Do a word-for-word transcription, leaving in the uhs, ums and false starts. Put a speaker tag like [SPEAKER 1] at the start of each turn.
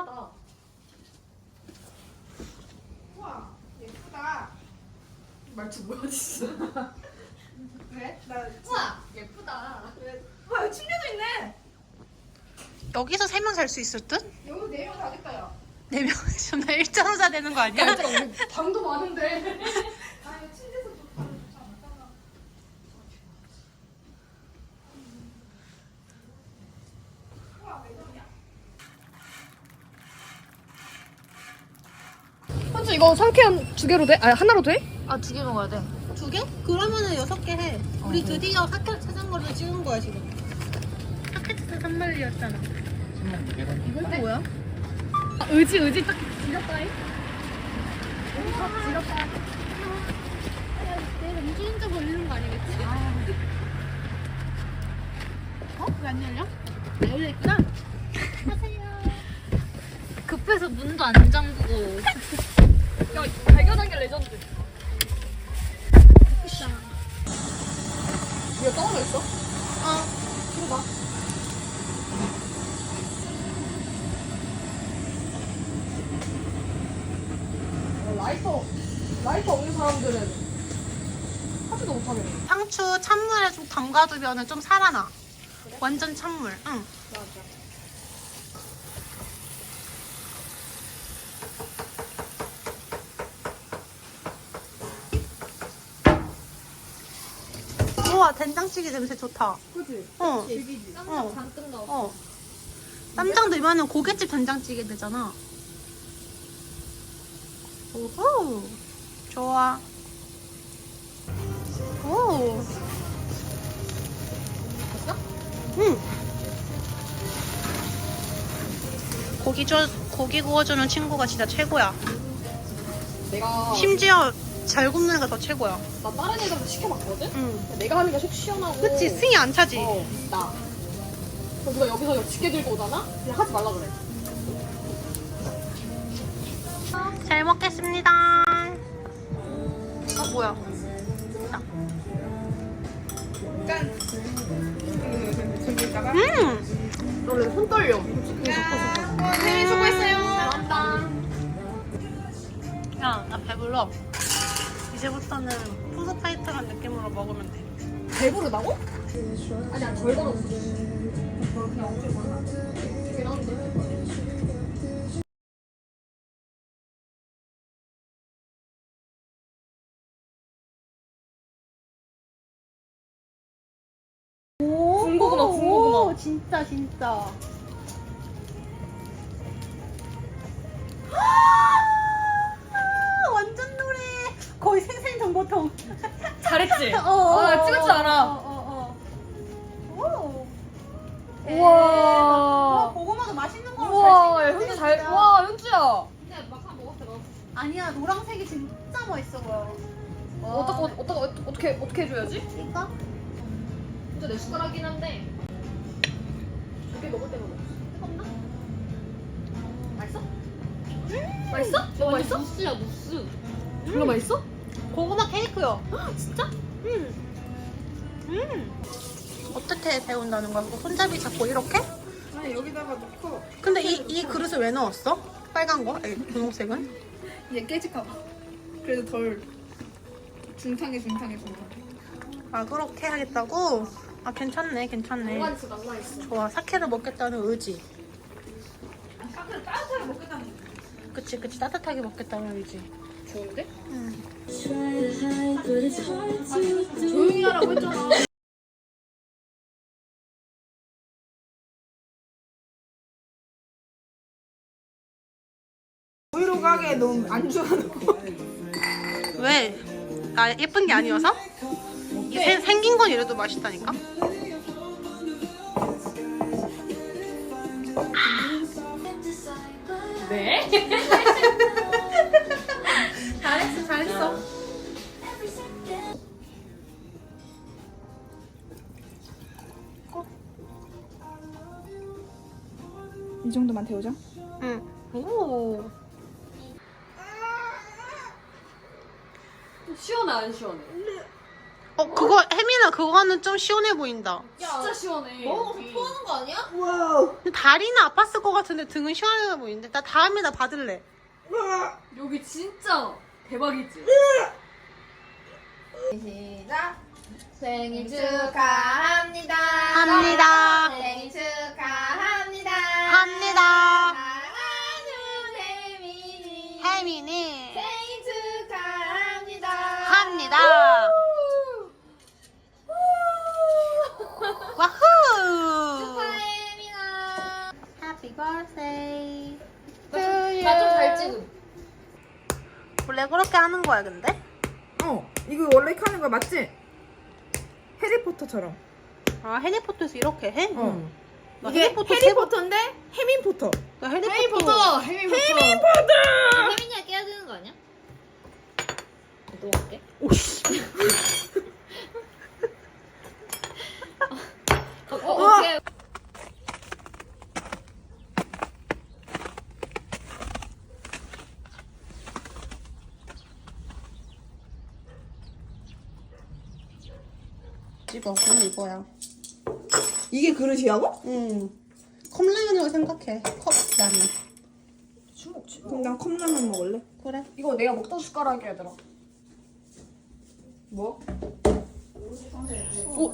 [SPEAKER 1] 힙하다.
[SPEAKER 2] 우와 예쁘다.
[SPEAKER 1] 말투 뭐야 진짜.
[SPEAKER 2] 왜? 나
[SPEAKER 1] 우와 예쁘다.
[SPEAKER 2] 왜? 와 여기 침대도 있네.
[SPEAKER 3] 여기서 세 명 살 수 있을 듯?
[SPEAKER 2] 여기 네 명 자겠다 야.
[SPEAKER 3] 네 명 있으면 나 일자로 자야 되는 거 아니야?
[SPEAKER 1] 얘들아 우리 방도 많은데.
[SPEAKER 2] 아 이거 침대에서 좀 바로 좋지 않을까? 우와 매점이야.
[SPEAKER 1] 현주 이거 상쾌한 두 개로 돼? 아니 하나로 돼?
[SPEAKER 3] 아, 두 개 먹어야 돼. 두 개? 그러면은 여섯 개 해. 우리 드디어 사케 찾은 거를 찍은 거야, 지금. 사케트 삼 마리였잖아. 이건 뭐야?
[SPEAKER 1] 아, 의지 의지 딱 지렸다잉. 지렸다.
[SPEAKER 3] 내가 음주운전 걸리는 거 아니겠지? 어? 왜 안 열려? 안 열려있구나? 하세요. 급해서 문도 안 잠그고.
[SPEAKER 1] 야 발견한 게 레전드.
[SPEAKER 3] 비싸.
[SPEAKER 1] 이거 떠올려 있어?
[SPEAKER 3] 어.
[SPEAKER 1] 들어봐. 어, 라이터 라이터 없는 사람들은 하지도 못하겠네.
[SPEAKER 3] 상추 찬물에 좀 담가두면 좀 살아나.
[SPEAKER 1] 그래?
[SPEAKER 3] 완전 찬물. 응.
[SPEAKER 1] 맞아.
[SPEAKER 3] 우와, 된장찌개 냄새 좋다.
[SPEAKER 1] 그치?
[SPEAKER 3] 어.
[SPEAKER 1] 즐기지.
[SPEAKER 3] 어.
[SPEAKER 1] 잔뜩 넣었어.
[SPEAKER 3] 어. 쌈장 넣으면 고깃집 된장찌개 되잖아. 오호. 좋아. 오.
[SPEAKER 1] 됐어?
[SPEAKER 3] 응. 고기 줘, 고기 구워주는 친구가 진짜 최고야.
[SPEAKER 1] 내가
[SPEAKER 3] 심지어 잘 굽는 애가 더 최고야.
[SPEAKER 1] 나 다른 애들한테 시켜봤거든?
[SPEAKER 3] 응.
[SPEAKER 1] 내가 하는 게 속 시원하고.
[SPEAKER 3] 그치, 승이 안 차지.
[SPEAKER 1] 어, 나. 그럼 누가 여기서 이거 집게 들고 오잖아? 그냥 하지 말라 그래.
[SPEAKER 3] 잘 먹겠습니다. 아, 뭐야. 자.
[SPEAKER 2] 짠. 즐길까봐.
[SPEAKER 3] 음!
[SPEAKER 1] 원래 손 떨려.
[SPEAKER 2] 짠. 네 수고했어요.
[SPEAKER 1] 잘한다.
[SPEAKER 3] 야, 나 배불러. 이제부터는 푸드 파이터란 느낌으로 먹으면 돼.
[SPEAKER 1] 배부르다고? 아니야, 덜 걸었어. 그냥 엄청 많아. 계란인데? 군고구마, 군고구마.
[SPEAKER 3] 진짜, 진짜. 완전 노래. 거의 생생정보통.
[SPEAKER 1] 잘했지?
[SPEAKER 3] 어,
[SPEAKER 1] 아, 찍을 줄 알아.
[SPEAKER 3] 어, 어, 어. 오.
[SPEAKER 1] 우와.
[SPEAKER 3] 고구마도 맛있는 거로
[SPEAKER 1] 우와,
[SPEAKER 3] 잘
[SPEAKER 1] 현주
[SPEAKER 3] 생겼네,
[SPEAKER 1] 잘,
[SPEAKER 3] 진짜.
[SPEAKER 1] 와, 현주야.
[SPEAKER 2] 근데 막상 먹었을 때
[SPEAKER 3] 아니야, 노란색이 진짜 멋있어 보여. 와.
[SPEAKER 1] 어떻게, 어떻게, 어떻게, 어떻게 해줘야지?
[SPEAKER 3] 이거?
[SPEAKER 1] 진짜 내 숟가락이긴 한데. 두개 먹을 때만 먹어. 뜨겁나? 맛있어? 음 맛있어? 너무 맛있어?
[SPEAKER 3] 무스야, 무스.
[SPEAKER 1] 별로 맛있어?
[SPEAKER 3] 고구마 케이크요. 진짜? 응. 음. 어떻게 배운다는 거야? 뭐 손잡이 잡고 이렇게?
[SPEAKER 2] 아니 여기다가 넣고
[SPEAKER 3] 근데 이, 이 그릇을 왜 넣었어? 빨간 거? 아니, 분홍색은?
[SPEAKER 2] 얘 깨질까봐. 그래도 덜 중탕해 중탕해 중탕.
[SPEAKER 3] 아, 그렇게 하겠다고? 아, 괜찮네, 괜찮네.
[SPEAKER 1] 남아있어, 남아있어.
[SPEAKER 3] 좋아, 사케를 먹겠다는 의지.
[SPEAKER 2] 사케를 따뜻하게 먹겠다는 거.
[SPEAKER 3] 그치, 그치, 따뜻하게 먹겠다는 의지.
[SPEAKER 1] 좋은데?
[SPEAKER 3] 응.
[SPEAKER 1] 조용히 하라고 했잖아.
[SPEAKER 2] 브이로그 가게 너무 안 좋아하는 거.
[SPEAKER 3] 왜? 나 예쁜 게 아니어서? 이 세- 생긴 건 이래도 맛있다니까?
[SPEAKER 1] 네?
[SPEAKER 3] 잘했어, 잘했어.
[SPEAKER 2] 이 정도만 데우자.
[SPEAKER 3] 응. 오.
[SPEAKER 1] 시원해, 안 시원해?
[SPEAKER 3] 어 그거 혜민아 그거는 좀 시원해 보인다.
[SPEAKER 1] 진짜 시원해.
[SPEAKER 4] 먹어서
[SPEAKER 1] 여기.
[SPEAKER 4] 토하는 거 아니야?
[SPEAKER 3] 근데 다리는 아팠을 것 같은데 등은 시원해 보이는데. 나 다음에 나 받을래.
[SPEAKER 1] 여기 진짜 대박이지.
[SPEAKER 4] 시작. 생일 축하합니다.
[SPEAKER 3] 합니다.
[SPEAKER 4] 생일 축하합니다.
[SPEAKER 3] 합니다.
[SPEAKER 4] 사랑하는 혜민이.
[SPEAKER 3] 혜민이
[SPEAKER 4] 생일 축하합니다.
[SPEAKER 3] 합니다. 와후.
[SPEAKER 4] 축하해, 혜민아.
[SPEAKER 3] Happy birthday.
[SPEAKER 4] 나 좀 잘 찍음.
[SPEAKER 3] 원래 그렇게 하는 거야 근데?
[SPEAKER 2] 어, 이거 원래 이렇게 하는 거야, 맞지? 해리포터처럼.
[SPEAKER 3] 아 해리포터에서 이렇게 해?
[SPEAKER 2] 어.
[SPEAKER 3] 나
[SPEAKER 2] 이게
[SPEAKER 3] 해리포터
[SPEAKER 2] 해리포터인데 해민포터.
[SPEAKER 3] 나 해리포터.
[SPEAKER 1] 해리포터. 해리포터.
[SPEAKER 4] 혜민이가 깨야 되는 거 아니야? 너 할게.
[SPEAKER 3] 오씨.
[SPEAKER 4] 어, 어, 오케이.
[SPEAKER 3] 집어. 그럼 이거야.
[SPEAKER 2] 이게 그릇이라고?
[SPEAKER 3] 응. 컵라면이라고 생각해. 컵라면.
[SPEAKER 2] 그럼 난 컵라면 먹을래.
[SPEAKER 3] 그래.
[SPEAKER 1] 이거 내가 먹던 숟가락이야 얘들아.
[SPEAKER 4] 뭐?
[SPEAKER 3] 오